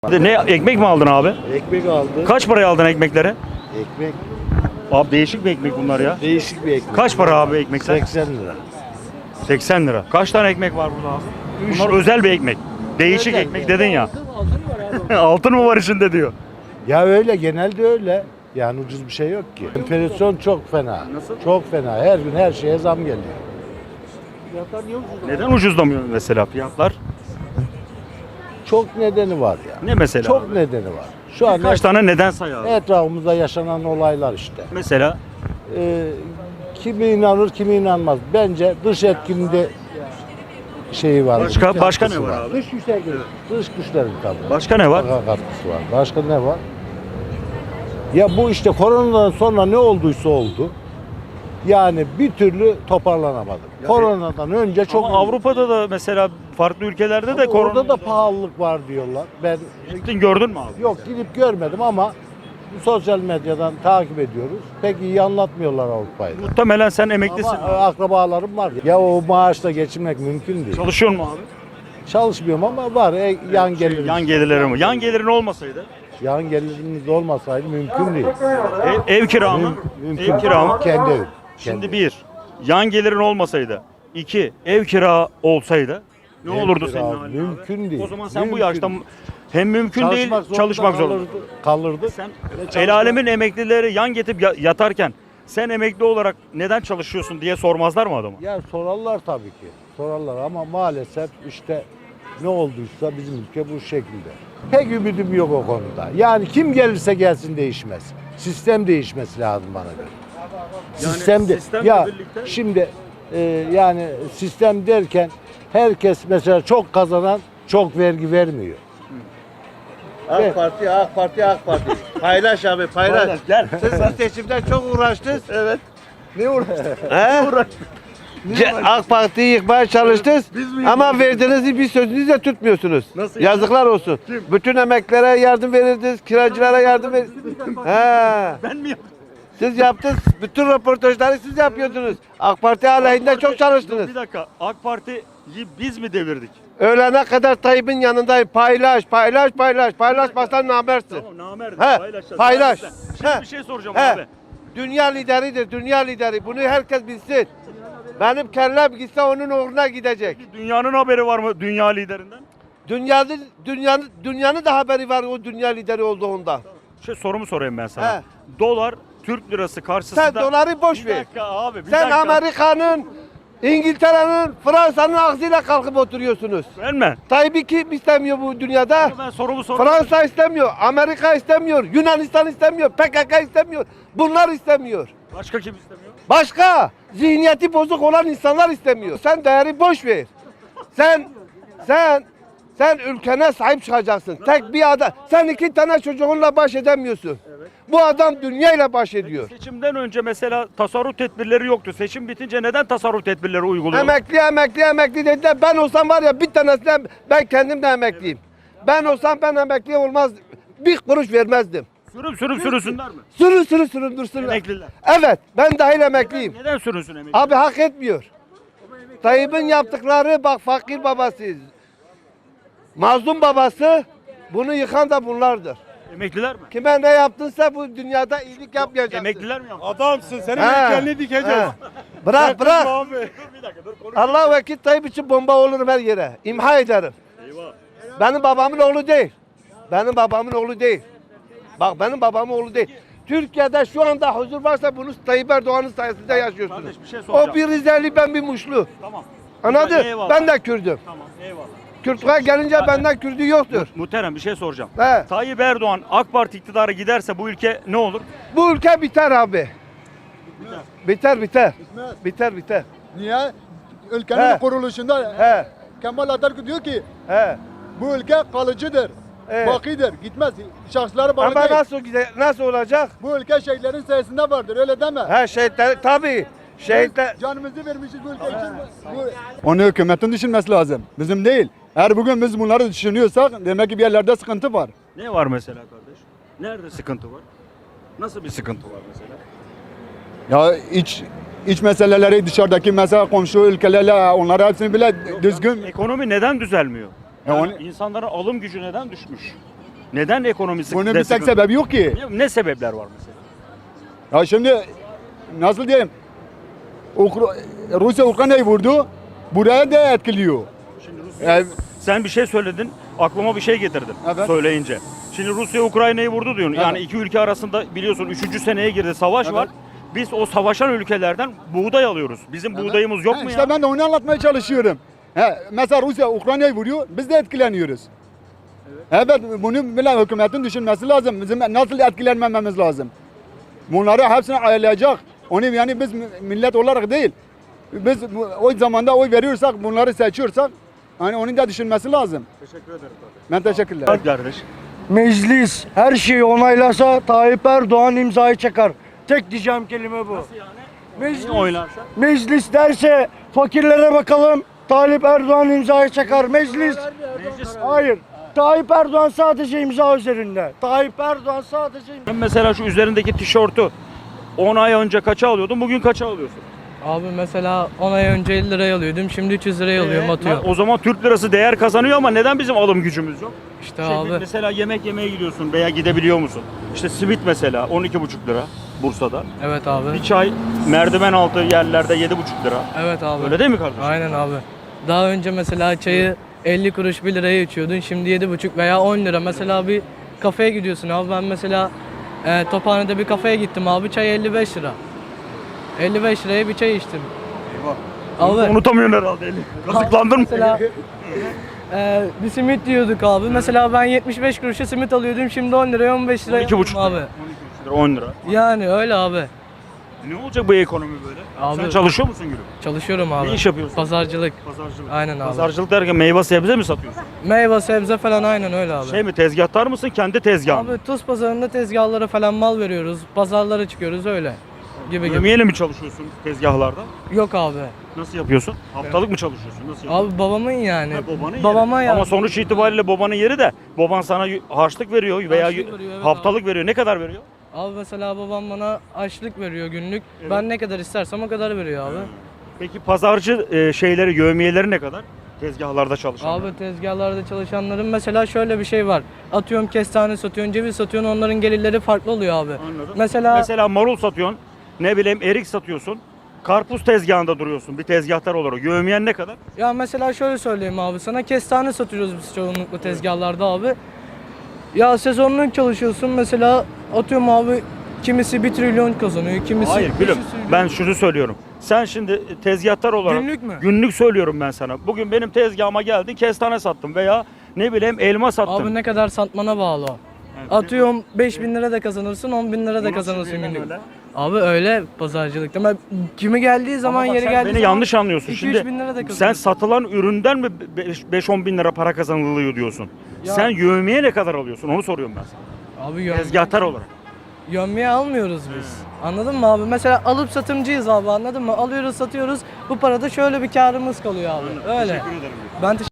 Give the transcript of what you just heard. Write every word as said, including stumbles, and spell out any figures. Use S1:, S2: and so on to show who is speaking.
S1: Ne ekmek mi aldın abi?
S2: Ekmek aldı.
S1: Kaç paraya aldın ekmekleri?
S2: Ekmek
S1: Abi değişik bir ekmek bunlar ya.
S2: değişik bir ekmek.
S1: Kaç para abi ekmekler?
S2: seksen lira.
S1: seksen lira. Kaç tane ekmek var burada abi? Bunlar özel bir ekmek. Değişik
S2: Özel
S1: ekmek
S2: ya.
S1: dedin ya. Altın mı var içinde diyor.
S2: Ya öyle genelde öyle. Yani ucuz bir şey yok ki. Enflasyon çok fena.
S1: Nasıl?
S2: Çok fena. Her gün her şeye zam geliyor.
S1: Neden ucuzlamıyor mesela fiyatlar?
S2: Çok nedeni var ya.
S1: Ne mesela?
S2: Çok nedeni var. Şu an
S1: Kaç
S2: et-
S1: tane neden say abi?
S2: etrafımızda yaşanan olaylar işte.
S1: Mesela
S2: Ee, kimi inanır kimi inanmaz. Bence dış etkinde şeyi var.
S1: Başka-
S2: katkısı
S1: başka ne var abi?
S2: Dış güçler, dış güçlerin tabii.
S1: başka ne var?
S2: Mutlaka katkısı var. Başka ne var? Ya bu işte koronadan sonra ne olduysa oldu. Yani bir türlü toparlanamadık. Koronadan önce çok
S1: Ama Avrupa'da da mesela farklı ülkelerde de
S2: Ama
S1: korona.
S2: orada da pahalılık var diyorlar. Ben
S1: Gittin gördün mü abi?
S2: yok gidip görmedim ama sosyal medyadan takip ediyoruz. Pek iyi anlatmıyorlar Avrupa'yı. da.
S1: Muhtemelen sen emeklisin.
S2: Ama e, akrabalarım var. Ya o maaşla geçinmek mümkün değil.
S1: Çalışıyor mu abi?
S2: Çalışmıyorum ama var. E, yan
S1: Şey,
S2: gelirimiz.
S1: yan gelirleri mi? Yan gelirin olmasaydı
S2: Yan gelirimiz olmasaydı mümkün değil.
S1: ev, ev kira mı?
S2: Mümkün.
S1: Ev kira mı?
S2: Kendi evim.
S1: Şimdi
S2: Kendi.
S1: bir, yan gelirin olmasaydı. İki, ev kira olsaydı ne
S2: Ev
S1: olurdu
S2: kira
S1: senin halin abi?
S2: mümkün değil.
S1: O zaman sen bu
S2: Mümkün
S1: yaşta
S2: değil.
S1: hem mümkün değil,
S2: zorunda
S1: çalışmak zorunda.
S2: kalırdı. kalırdı.
S1: Sen
S2: çalışmak-
S1: el alemin emeklileri yan getirip ya- yatarken sen emekli olarak neden çalışıyorsun diye sormazlar mı adama?
S2: Ya sorarlar tabii ki. Sorarlar ama maalesef işte ne olduysa bizim ülke bu şekilde. Pek ümidim yok o konuda. Yani kim gelirse gelsin değişmez. Sistem değişmesi lazım bana göre. sistem de
S1: sistemle
S2: ya
S1: birlikte-
S2: şimdi e, yani sistem derken herkes mesela çok kazanan çok vergi vermiyor.
S3: AK Parti, AK Parti, AK Parti. Paylaş abi, paylaş.
S1: Paylaş, gel.
S3: Siz bu seçimden çok uğraştınız.
S1: Evet.
S3: Ne uğraştınız? He? Ce- AK Parti'yi yıkmaya çalıştınız ama verdiğiniz bir sözünüzü de tutmuyorsunuz.
S1: Nasıl
S3: Yazıklar olsun. Bütün emeklilere yardım verirdiniz, kiracılara yardım verirdiniz. He.
S1: Ben mi yaptım?
S3: Siz yaptınız, bütün röportajları siz yapıyordunuz. AK Parti aleyhinde çok çalıştınız.
S1: Bir dakika. AK Parti'yi biz mi devirdik?
S3: Öğlene kadar Tayyip'in yanındayım. Paylaş, paylaş, paylaş. Paylaşmazsan namertsin.
S1: Tamam, namerdim.
S3: He,
S1: Paylaşacağız.
S3: paylaş.
S1: Şimdi
S3: He.
S1: bir şey soracağım
S3: He.
S1: abi.
S3: Dünya lideridir, dünya lideri. Bunu herkes bilsin. Benim kellem gitse onun uğruna gidecek.
S1: Dünyanın haberi var mı dünya liderinden?
S3: Dünyanın dünyanın dünyanın da haberi var o dünya lideri olduğunda.
S1: Şey sorumu sorayım ben sana.
S3: He.
S1: Dolar Türk lirası karşısında.
S3: Sen doları boş
S1: Bir
S3: ver.
S1: dakika abi. Bir
S3: Sen
S1: dakika.
S3: Amerika'nın, İngiltere'nin, Fransa'nın ağzıyla kalkıp oturuyorsunuz.
S1: Ben mi?
S3: Tayyip'i kim istemiyor bu dünyada?
S1: Ben sorumu soruyorum.
S3: Fransa istemiyor, Amerika istemiyor, Yunanistan istemiyor, P K K istemiyor. Bunlar istemiyor.
S1: Başka kim istemiyor?
S3: Başka zihniyeti bozuk olan insanlar istemiyor. Sen değeri boş ver. Sen sen sen ülkene sahip çıkacaksın. Tek bir adam. Sen iki tane çocuğunla baş edemiyorsun. Bu adam dünyayla baş ediyor.
S1: Seçimden önce mesela tasarruf tedbirleri yoktu. Seçim bitince neden tasarruf tedbirleri uyguluyor?
S3: Emekli emekli emekli dediler. Ben olsam var ya bir tanesine ben kendim de emekliyim. Ben olsam ben emekli olmaz. Bir kuruş vermezdim.
S1: Sürüm sürüm sürünsünler mi?
S3: Sürün sürün sürün dursunlar.
S1: Emekliler.
S3: Evet ben dahil emekliyim.
S1: Neden sürünsün emekli?
S3: Abi hak etmiyor. Tayyip'in yaptıkları bak fakir babası. Mazlum babası bunu yıkan da bunlardır.
S1: Emekliler mi?
S3: Kime ne yaptınsa bu dünyada iyilik yapmayacaksın.
S1: Emekliler mi yaptı?
S4: Adamsın. Senin
S3: He.
S4: heykelini dikeceğiz.
S3: He. Bırak bırak.
S4: Abi.
S1: Bir dakika dur konuş.
S3: Allah vekil Tayyip için bomba olurum her yere. İmha ederim.
S1: Eyvah.
S3: Benim babamın oğlu değil. Benim babamın oğlu değil. Bak benim babamın oğlu değil. Türkiye'de şu anda huzur varsa bunu Tayyip Erdoğan'ın sayesinde yaşıyorsunuz.
S1: Kardeş, bir şey soracağım.
S3: O bir Rizeli ben bir Muşlu.
S1: Tamam.
S3: Anladın?
S1: Eyvallah.
S3: Ben de Kürdüm.
S1: Tamam eyvallah.
S3: Kürt'e gelince benden Kürdü yoktur.
S1: Muhterem bir şey soracağım.
S3: He.
S1: Tayyip Erdoğan AK Parti iktidara giderse bu ülke ne olur?
S3: Bu ülke biter abi. Biter biter. Biter biter.
S4: Niye? Ülkenin
S3: He.
S4: kuruluşunda
S3: He.
S4: Kemal Atatürk diyor ki
S3: He.
S4: bu ülke kalıcıdır.
S3: Evet.
S4: Bakidir. Gitmez. Şahıslara bağlı
S3: Ama
S4: değil.
S3: nasıl gide- nasıl olacak?
S4: Bu ülke şehitlerin sayesinde vardır. Öyle deme.
S3: He şehitler tabii. Şehitler
S4: Canımızı vermişiz bu ülke için. Bu... Onu hükümetin düşünmesi lazım. Bizim değil. Eğer bugün biz bunları düşünüyorsak demek ki bir yerlerde sıkıntı var.
S1: Ne var mesela kardeş? Nerede sıkıntı var? Nasıl bir sıkıntı var mesela?
S4: Ya iç iç meseleleri dışarıdaki mesela komşu ülkelerle onları hepsini bile düzgün.
S1: Ekonomi neden düzelmiyor?
S4: Ya
S1: Yani
S4: onu-
S1: İnsanların alım gücü neden düşmüş? Neden ekonomisi
S4: Bunun
S1: de
S4: bir tek
S1: sıkıntı?
S4: sebebi yok ki.
S1: Ne, ne sebepler var mesela?
S4: Ya şimdi nasıl diyeyim? Ukra- Rusya Ukrayna'yı vurdu. Buraya da etkiliyor.
S1: Şimdi Rusya,
S4: Yani-
S1: sen bir şey söyledin, aklıma bir şey getirdin
S4: Evet.
S1: söyleyince. Şimdi Rusya Ukrayna'yı vurdu diyorsun. Yani
S4: Evet.
S1: iki ülke arasında biliyorsun üçüncü seneye girdi, savaş
S4: Evet.
S1: var. Biz o savaşan ülkelerden buğday alıyoruz. Bizim buğdayımız yok
S4: Ha,
S1: mu
S4: işte
S1: ya?
S4: ben de onu anlatmaya çalışıyorum. He, mesela Rusya Ukrayna'yı vuruyor, biz de etkileniyoruz. Evet, bunu bile hükümetin düşünmesi lazım. Bizim nasıl etkilenmememiz lazım. Bunları hepsini ayarlayacak. Onu yani biz millet olarak değil. Biz bu- o zamanda oy veriyorsak, bunları seçiyorsak, hani onun da düşünmesi lazım.
S1: Teşekkür ederim.
S4: Ben teşekkürler.
S1: Bak kardeş.
S5: Meclis her şeyi onaylasa Tayyip Erdoğan imzayı çakar. Tek diyeceğim kelime bu. Meclis,
S1: Niye oylarsa?
S5: meclis derse fakirlere bakalım Tayyip Erdoğan imzayı çakar. Meclis,
S1: Meclis.
S5: hayır. Tayyip Erdoğan sadece imza üzerinde. Tayyip Erdoğan sadece imza.
S1: Ben mesela şu üzerindeki tişörtü on ay önce kaça alıyordun, bugün kaça alıyorsun?
S6: Abi mesela on ay önce elli liraya alıyordum. Şimdi üç yüz liraya alıyorum,
S1: Ee,
S6: atıyorum.
S1: O zaman Türk lirası değer kazanıyor ama neden bizim alım gücümüz yok?
S6: İşte
S1: Şey,
S6: abi.
S1: Mesela yemek yemeye gidiyorsun veya gidebiliyor musun? İşte simit mesela on iki buçuk lira Bursa'da.
S6: Evet abi.
S1: Bir çay merdiven altı yerlerde yedi buçuk lira.
S6: Evet abi.
S1: Öyle değil mi kardeşim?
S6: Aynen abi. Daha önce mesela çayı elli kuruş bir liraya içiyordun. Şimdi yedi buçuk veya on lira. Mesela bir kafeye gidiyorsun abi. Ben mesela e, Tophane'de bir kafeye gittim abi. Çay elli beş lira. elli beş liraya bir çay içtim. Abi
S1: Unutamıyorsun herhalde eli. Kazıklandın mı?
S6: mesela e, bir simit diyorduk abi. Mesela ben yetmiş beş kuruşa simit alıyordum. Şimdi on liraya on beş liraya
S1: on iki buçuk
S6: alıyorum
S1: lira.
S6: abi.
S1: on iki buçuk lira, on lira.
S6: Yani öyle abi.
S1: Ne olacak bu ekonomi böyle?
S6: Abi-
S1: Sen çalışıyor musun gülüm?
S6: Çalışıyorum abi.
S1: Ne iş yapıyorsun?
S6: Pazarcılık.
S1: Pazarcılık.
S6: Aynen abi.
S1: Pazarcılık derken meyve sebze mi satıyorsun?
S6: Meyve, sebze falan aynen öyle abi.
S1: Şey mi tezgahtar mısın kendi tezgahın? mı?
S6: Abi Tuz pazarında tezgahlara falan mal veriyoruz. Pazarlara çıkıyoruz öyle. Gibi gibi.
S1: Yemeğiyle mi çalışıyorsun tezgahlarda?
S6: Yok abi.
S1: Nasıl yapıyorsun? Haftalık mı çalışıyorsun? Nasıl yapıyorsun?
S6: Abi babamın yani.
S1: Ha, babanın yeri.
S6: Babama yani.
S1: Ama sonuç itibariyle babanın yeri de baban sana y- harçlık veriyor veya
S6: Harçlık
S1: y-
S6: veriyor, evet
S1: haftalık veriyor. Ne kadar veriyor?
S6: Abi mesela babam bana açlık veriyor günlük.
S1: Evet.
S6: Ben ne kadar istersem o kadar veriyor abi.
S1: Peki pazarcı e, şeyleri, yövmiyeleri ne kadar? Tezgahlarda çalışan.
S6: Abi tezgahlarda çalışanların mesela şöyle bir şey var. Atıyorum kestane satıyorsun, ceviz satıyorsun, onların gelirleri farklı oluyor abi.
S1: Anladım.
S6: Mesela
S1: Mesela marul satıyorsun, ne bileyim erik satıyorsun. Karpuz tezgahında duruyorsun bir tezgahtar olarak. Yövmiyen ne kadar?
S6: ya mesela şöyle söyleyeyim abi sana, kestane satıyoruz biz çoğunlukla tezgahlarda abi. Ya sezonluk çalışıyorsun mesela, atıyorum abi kimisi bir trilyon kazanıyor, kimisi
S1: Hayır
S6: beş
S1: gülüm
S6: yüz trilyon.
S1: ben şunu söylüyorum. Sen şimdi tezgahtar olarak
S6: Günlük mü?
S1: günlük söylüyorum ben sana. Bugün benim tezgahıma geldin kestane sattım veya ne bileyim elma sattım.
S6: Abi ne kadar satmana bağlı o.
S1: Evet.
S6: Atıyorum beş bin lira da kazanırsın, on bin lira
S1: Bu
S6: da
S1: nasıl
S6: kazanırsın
S1: birden
S6: günlük.
S1: öyle?
S6: Abi öyle pazarcılıkta. Ben kimi geldiği zaman,
S1: Ama bak
S6: yeri
S1: sen
S6: geldiği
S1: beni
S6: zaman
S1: yanlış anlıyorsun.
S6: iki üç
S1: Şimdi
S6: bin lira da
S1: sen
S6: kazanırsın.
S1: satılan üründen mi beş on bin lira para kazanılıyor diyorsun?
S6: Ya-
S1: Sen yövmiye ne kadar alıyorsun onu soruyorum ben sana.
S6: Abi yön,
S1: Tezgahtar olarak.
S6: yönmeye almıyoruz biz. Anladın mı abi? Mesela alıp satımcıyız abi, anladın mı? Alıyoruz, satıyoruz. Bu parada şöyle bir karımız kalıyor abi. Öyle.
S1: Teşekkür ederim.
S6: Ben teşekkür